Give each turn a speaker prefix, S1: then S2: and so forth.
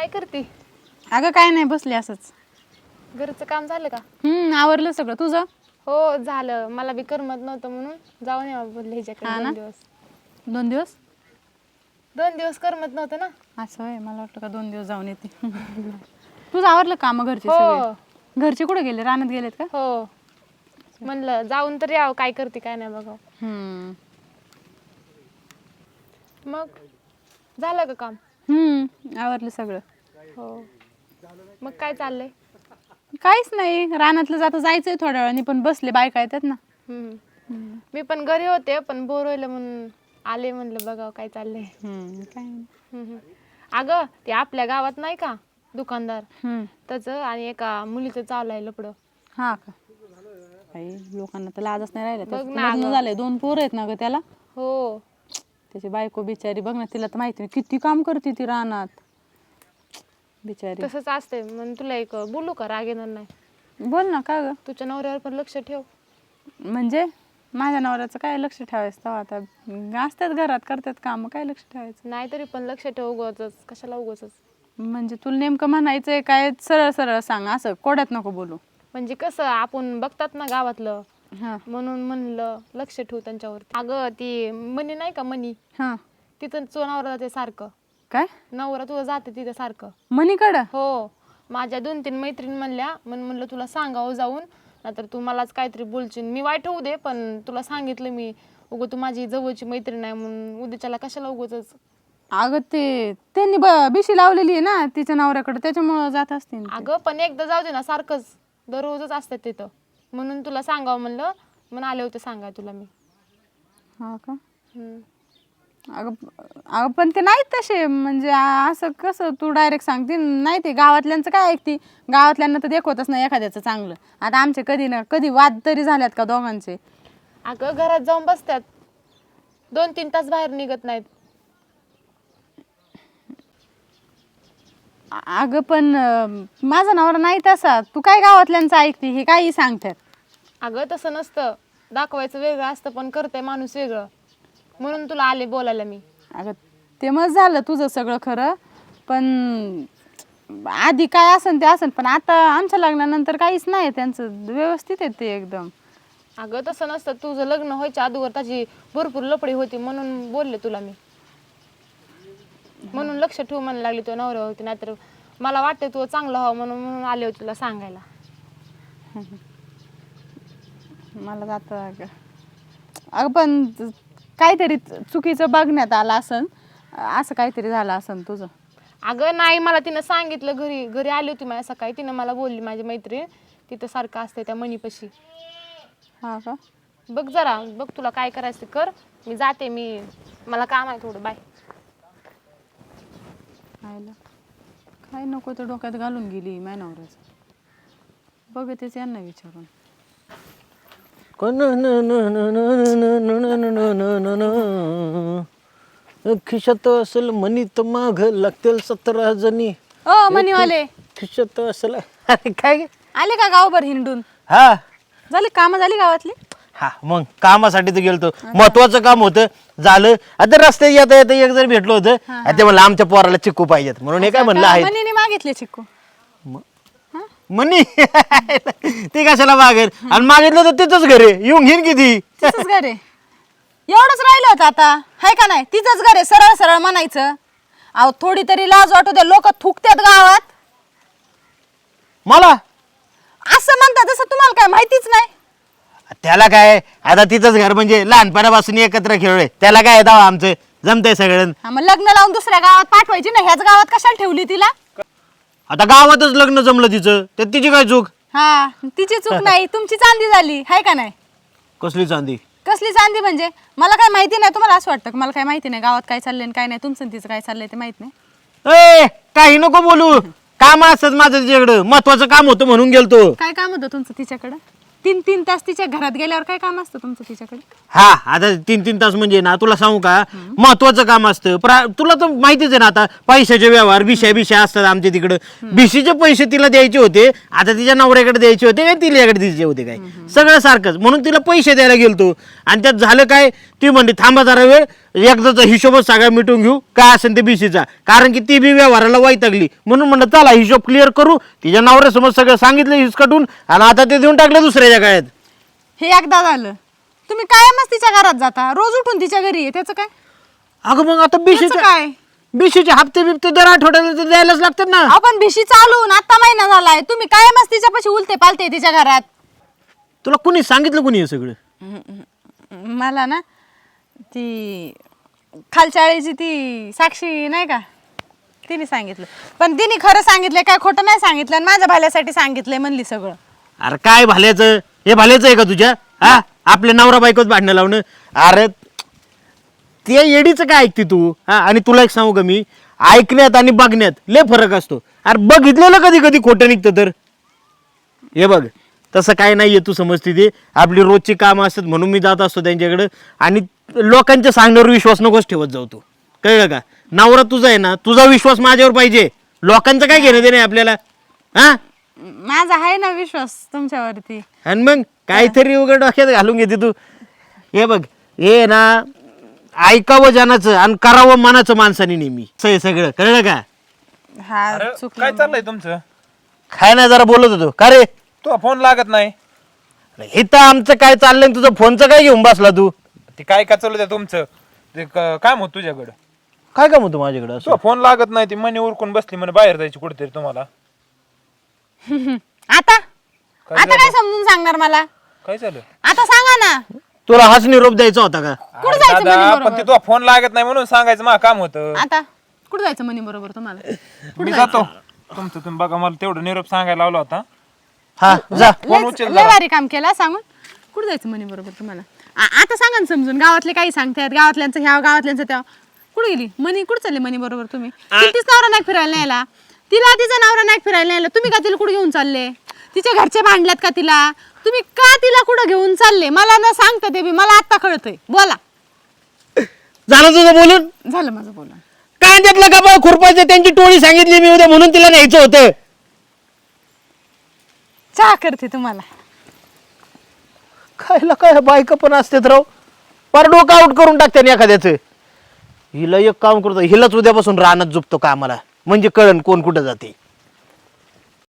S1: काय करते?
S2: अगं काय नाही बसले असंच.
S1: घरचं काम झालं का?
S2: आवरलं सगळं तुझं?
S1: हो झालं. मला बी करमत नव्हतं म्हणून जाऊन यावं बोलले ह्याच्याकडे
S2: हा ना?
S1: 2 दिवस.
S2: 2 दिवस?
S1: 2 दिवस करमत नव्हतं ना.
S2: असं आहे, मला वाटलं का 2 दिवस जाऊन येते. तुझं आवरलं काम घरचे
S1: हो
S2: सगळे? घरचे कुठे गेले, रानात गेलेत का?
S1: हो. म्हणलं जाऊन तर यावं, काय करते काय नाही बघावं. मग झालं का काम?
S2: आवरलं सगळं.
S1: हो. मग काय चाललंय?
S2: काहीच नाही, रानातलं जायचंय थोड्या वेळाने, पण बसले बायका येतात ना.
S1: मी पण घरी होते पण बोर व्हायला म्हणून आले, म्हणलं बघावं काय चाललंय.
S2: काय नाही.
S1: अगं ते आपल्या गावात नाही का दुकानदार, त्याचं आणि एका मुलीचं चालू आहे लपडं.
S2: हा का? काही लोकांना तर लाजच नाही राहिलं.
S1: बघ
S2: त्याचं
S1: ना
S2: लग्न
S1: अगं.
S2: झालंय, 2 पोरं आहेत ना ग त्याला.
S1: हो.
S2: त्याची बायको बिचारी बघ ना, तिला तर माहिती नाही किती काम करते ती रानात बिचारी.
S1: तसंच असते. म्हणून तुला एक बोलू का, राग येणार नाही?
S2: बोल ना. का ग?
S1: तुझ्या नवऱ्यावर पण लक्ष ठेव.
S2: म्हणजे माझ्या नवऱ्याचं काय लक्ष ठेवायचं तेव्हा, आता असतात घरात करतात काम, काय लक्ष ठेवायचं?
S1: नाही तरी पण लक्ष ठेव, उगाचच कशाला उगाचच.
S2: म्हणजे तुला नेमकं म्हणायचंय काय? सरळ सरळ सांग, असं कोड्यात नको बोलू.
S1: म्हणजे कसं आपण बघतात ना गावातलं,
S2: हा
S1: म्हणून म्हणलं लक्ष ठेव त्यांच्यावरती. अगं ती मनी नाही का, मनी,
S2: हा
S1: तिथं तुझा नवरा जाते सारखं.
S2: काय?
S1: नवरा तुझं जाते तिथं सारखं.
S2: मनीकडं?
S1: हो. माझ्या 2-3 मैत्रीण म्हणल्या, म्हणलं तुला सांगावं जाऊन, नाहीतर तू मलाच काहीतरी बोलशील. मी वाईट होऊ दे, पण तुला सांगितलं मी, उगं तू माझी जवळची मैत्रीण आहे म्हणून उद्याच्याला कशाला उगाचच.
S2: अगं ते त्यांनी बिशी लावलेली आहे ना तिच्या नवऱ्याकडे, त्याच्यामुळं जात असते.
S1: अगं पण एकदा जाऊ दे ना, सारखंच दररोजच असतात तिथं, म्हणून तुला सांगावं म्हणलं, म्हणून आले होते सांगाय तुला मी.
S2: हा का? अगं पण ते नाहीत तसे, म्हणजे असं कसं तू डायरेक्ट सांगते? नाही, ते गावातल्यांचं काय ऐकते? गावातल्यांना तर देखवतच नाही एखाद्याचं चांगलं. आता आमचे कधी ना कधी वाद तरी झाल्यात का दोघांचे?
S1: अगं घरात जाऊन बसतात, 2-3 तास बाहेर निघत नाहीत.
S2: अगं पण माझा नवरा नाही तसा. तू काय गावातल्यांचं ऐकते? हे काही सांगतात.
S1: अगं तसं नसतं, दाखवायचं वेगळं असतं पण करतंय माणूस वेगळं, म्हणून तुला आले बोलायला मी.
S2: अगं ते मग झालं तुझं सगळं खरं, पण आधी काय असन ते असन, पण आता आमच्या लग्नानंतर काहीच नाही, त्यांचं व्यवस्थित आहे ते एकदम.
S1: अगं तसं नसतं, तुझं लग्न व्हायच्या अगोदर त्याची भरपूर लपडी होती म्हणून बोलले तुला मी, म्हणून लक्ष ठेवू म्हणायला लागली तुझ्या नवऱ्यावर होती. नाहीतर मला वाटतं तू चांगलं व्हावं म्हणून आले होते तुला सांगायला.
S2: मला जातं अगं पण काहीतरी चुकीचं बघण्यात आलं असन, असं काहीतरी झालं असन तुझं.
S1: अगं नाही, मला तिनं सांगितलं, घरी आली होती माझ्या सकाळी, तिनं मला बोलली माझी मैत्रीण तिथं सारखं असते त्या मनीपाशी.
S2: हा का?
S1: बघ जरा, बघ तुला काय करायचं ते कर, मी जाते, मला काम आहे थोडं, बाय.
S2: काय नको तर डोक्यात घालून गेली माझ्या नवऱ्याचं. बघतेच यांना विचारून.
S3: खिशात असेल मनी तर माग लागतील 17 जणी.
S2: ओ मनीवाले,
S3: खिशात असेल. अरे काय गे?
S2: आले का गावभर हिंडून?
S3: हा
S2: झाली कामं झाली गावातली?
S3: हा मग कामासाठी तर गेलतो, महत्वाचं काम होतं, झालं. आता रस्त्यात येता येता एक जर भेटलो होतं, ते म्हणलं आमच्या पोराला चिक्कू पाहिजेत म्हणून हे काय म्हणलं आहे
S2: मनीने मागितले चिक्कू?
S3: मनी. ते कशाला मागेल? आणि मागितलं तर तिथंच घरी येऊन घेईन किती.
S2: तिचंच घर आहे, एवढंच राहिलं होतं आता, हाय का नाही? तिचंच घर आहे, सरळ सरळ म्हणायचं. अहो थोडी तरी लाज वाटू दे, लोक थुकतात गावात.
S3: मला
S2: असं म्हणतात जसं तुम्हाला काय माहितीच नाही.
S3: त्याला काय, आता तिथंच घर म्हणजे लहानपणापासून एकत्र खेळलोय, त्याला काय दावा आमचं जमतंय सगळं.
S2: हा, मग लग्न लावून दुसऱ्या गावात पाठवायची ना, ह्याच गावात कशाला ठेवली तिला?
S3: आता गावातच लग्न जमलं तिचं, त्यात तिची काय चूक?
S2: हा, तिची चूक नाही, तुमची चांदी झाली, हाय का नाही?
S3: कसली चांदी?
S2: कसली चांदी म्हणजे? मला काय माहिती नाही? तुम्हाला असं वाटतं का मला काय माहिती नाही गावात काय चाललंय काय नाही? तुमचं तिचं काय चाललंय ते माहित नाही?
S3: ए काही नको बोलू, काम असत माझं तिच्याकडं, महत्वाचं काम होतं म्हणून गेलतो.
S2: काय काम होतं तुमचं तिच्याकडं? 3-3 तास तिच्या घरात गेल्यावर काय काम असतं तुमचं तिच्याकडे?
S3: हा आता 3-3 तास म्हणजे ना, तुला सांगू का, महत्वाचं काम असतं. तुला तर माहितीच आहे ना, आता पैशाचे व्यवहार बिशा असतात आमच्या तिकडं. बिशीचे पैसे तिला द्यायचे होते, आता तिच्या नवऱ्याकडे द्यायचे होते काय तिच्याकडे द्यायचे होते काय, सगळं सारखंच. म्हणून तिला पैसे द्यायला गेलतो, आणि त्यात झालं काय, ती म्हणली थांबा जरा वेळ, एकदाचा हिशोबच सगळा मिटून घेऊ काय असेल ते बीसीचा, कारण की ती बी व्यवहाराला वैतागली. म्हणून म्हणलं चला हिशोब क्लिअर करू. तिच्या नवऱ्यासमोर सगळं सांगितलं हिसकटून, आणि आता ते देऊन टाकलं दुसऱ्याच्या काळात.
S2: हे एकदा झालं. तुम्ही कायमच तिच्या घरात जाता, रोज उठून तिच्या घरी आहे, त्याचं काय?
S3: अगं मग आता
S2: त्याचं काय?
S3: बीसीचे हप्ते बिप्ते दर आठवड्याला तर द्यायलाच लागतात ना.
S2: आपण भिशी चालून आता महिना झालाय, तुम्ही कायमच तिच्यापाशी उलते पालते तिच्या घरात.
S3: तुला कुणी सांगितलं कुणी हे सगळं?
S2: मला ना ती खालच्या आळीची ती साक्षी नाही का, तिने सांगितलं. पण तिने खरं सांगितलंय काय खोटं नाही सांगितलं, आणि माझ्या भाल्यासाठी सांगितलंय म्हणली सगळं.
S3: अरे काय भाल्याचं, हे भाल्याचं आहे का तुझ्या? हा, आपल्या नवरा बायकोच भांडणं लावणं. अरे ते येडीचं काय ऐकते तू? हा, आणि तुला एक सांगू का मी, ऐकण्यात आणि बघण्यात लय फरक असतो. अरे बघितलेलं कधी कधी खोटं निघतं. तर हे बघ, तसं काय नाहीये, तू समजते ते. आपली रोजची कामं असतात म्हणून मी जात असतो त्यांच्याकडे, आणि लोकांच्या सांगण्यावर विश्वास नकोच ठेवत जाऊ तू, कळलं का? नवरा तुझा आहे ना, तुझा विश्वास माझ्यावर पाहिजे, लोकांचं काय घेणं देणं आपल्याला. हा,
S2: माझा आहे ना विश्वास तुमच्यावरती.
S3: आणि मग काहीतरी उघड डोक्यात घालून घेते तू. हे बघ, हे ना ऐकावं जनाचं आणि करावं मनाचं माणसाने नेहमी. हे सगळं कळलं का?
S2: हा
S4: अरे,
S2: चुकलं.
S4: काय चाललंय तुमचं?
S3: काय नाही, जरा बोलत होतो. का रे?
S4: तो फोन लागत नाही.
S3: हे तर आमचं काय चाललंय, तुझं फोनचं काय घेऊन बसला तू?
S4: ते काय का चालू द्या तुमचं, ते काम होत तुझ्याकडं.
S3: काय काम होतं माझ्याकडे असं?
S4: तो फोन लागत नाही, ती मनी उरकून बसली म्हणे बाहेर जायची कुठेतरी तुम्हाला.
S2: आता आता काय समजून सांगणार मला?
S4: काय झालं?
S2: आता सांगा ना.
S3: तुला हाच निरोप द्यायचा होता का?
S2: कुठं
S4: अरे
S2: जायचं
S4: दादा,
S2: म्हणे
S4: पण ते तो फोन लागत नाही म्हणून सांगायचं मला काम होतं.
S2: आता कुठं जायचं म्हणे बरोबर तुम्हाला?
S4: मी जातो. तुमचं तुम्ही बघा, मला तेवढं निरोप सांगायला लावला होता.
S3: हा जा.
S4: फोन उचल
S2: लय भारी काम केला सांगून. कुठं जायचं म्हणे बरोबर तुम्हाला? आता सांगा ना समजून. गावातले काही सांगतात, गावातल्यांचं ह्या गावातल्यांचं त्या. कुठे गेली मनी? कुठं चालले मनी बरोबर तुम्ही? तिला नवरा नाही फिरायला न्यायला, तिला तिचा नवरा नाही फिरायला न्यायला, तुम्ही का तिला कुठे घेऊन चालले? तिच्या घरचे भांडल्यात का तिला? तुम्ही का तिला कुठं घेऊन चालले? मला न सांगता ते बी मला आता कळतंय. बोला.
S3: झालं तुझं बोलून?
S2: झालं माझं बोलून.
S3: काय त्यातलं का बा खुरपायचं? त्यांची टोळी सांगितली मी उद्या म्हणून तिला न्यायचं होतं.
S2: चहा करते तुम्हाला.
S3: खायला काय बायका पण असतात राव, पर डोकं आउट करून टाकते एखाद्याचं. हिला एक काम करतो, हिलाच उद्यापासून रानात झोपतो कामाला, म्हणजे कळण कोण कुठं जाते.